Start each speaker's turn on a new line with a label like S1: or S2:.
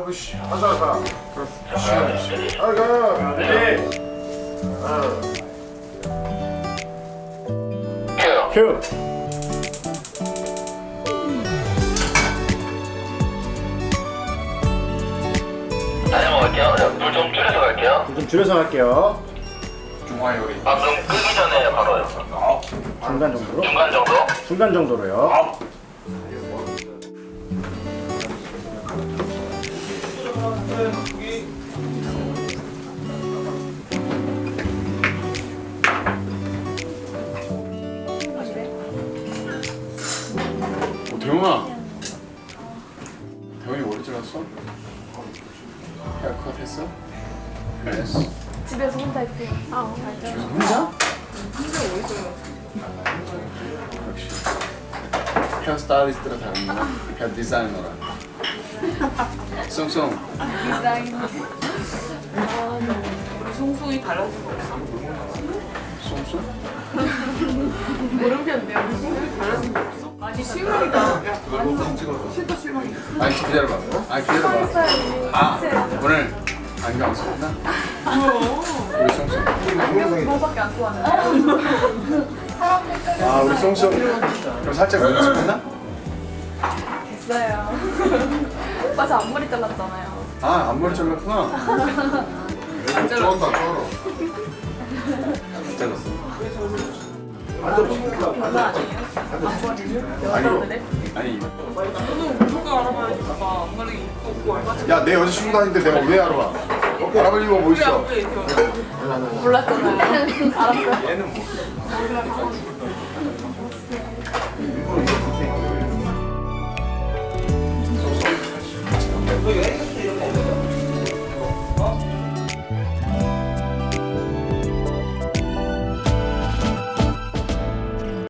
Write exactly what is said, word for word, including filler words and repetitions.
S1: 으쌰 하자 하자. 으쌰 아가. 네. 아. 큐.
S2: 다시 먹을게요. 불 좀 줄여서 갈게요.
S1: 좀 줄여서 할게요.
S3: 중화 요리.
S2: 방금 끄기 전에 바로요.
S1: 중간 정도로?
S2: 중간 정도?
S1: 중간 정도로요.
S3: 오, 대웅아. 대웅이 머리 잘랐어? 헤어컷 했어? 했어.
S4: 집에서 혼자 입혀요. 아, 알죠.
S3: 혼자? 역시 헤어스타일리스트라 다르구나. 헤어 디자이너라. 쏨쏨.
S4: 디자인.
S5: 우리 송송이 달라진 거 없어?
S3: 쏨쏨?
S4: 모르겠네요.
S5: 달라진 거 없어? 아니 실망이다. 야 실도 실망이다.
S3: 아니 기다려봐. 아니 기다려봐.
S4: 스타일이
S3: 아 오늘 안경 안 썼나? 우리 쏨쏨.
S4: 그거밖에 안 좋아하는데.
S3: 아 우리 쏨쏨. 그럼 살짝 눈치 했나?
S4: 됐어요. 오빠 저 앞머리 잘랐잖아요.
S3: 아 앞머리 잘랐구나.
S5: 안 잘랐어.
S1: 쩔었다 쩔어.
S3: 잘랐어.
S4: 변화 아니에요? 앞머리를? 여자들의?
S3: 아니
S5: 너는 누가 알아봐야지. 봐봐. 엄마는 이쁘고 얼마나
S1: 야 내 여자친구도 아닌데 내가 왜 알아봐? 알아볼 이유가 뭐
S5: 우리
S1: 있어?
S5: 앞에 이렇게
S4: 몰랐잖아요. 알았어요.
S3: 얘는 뭐?
S1: 쏘쏘.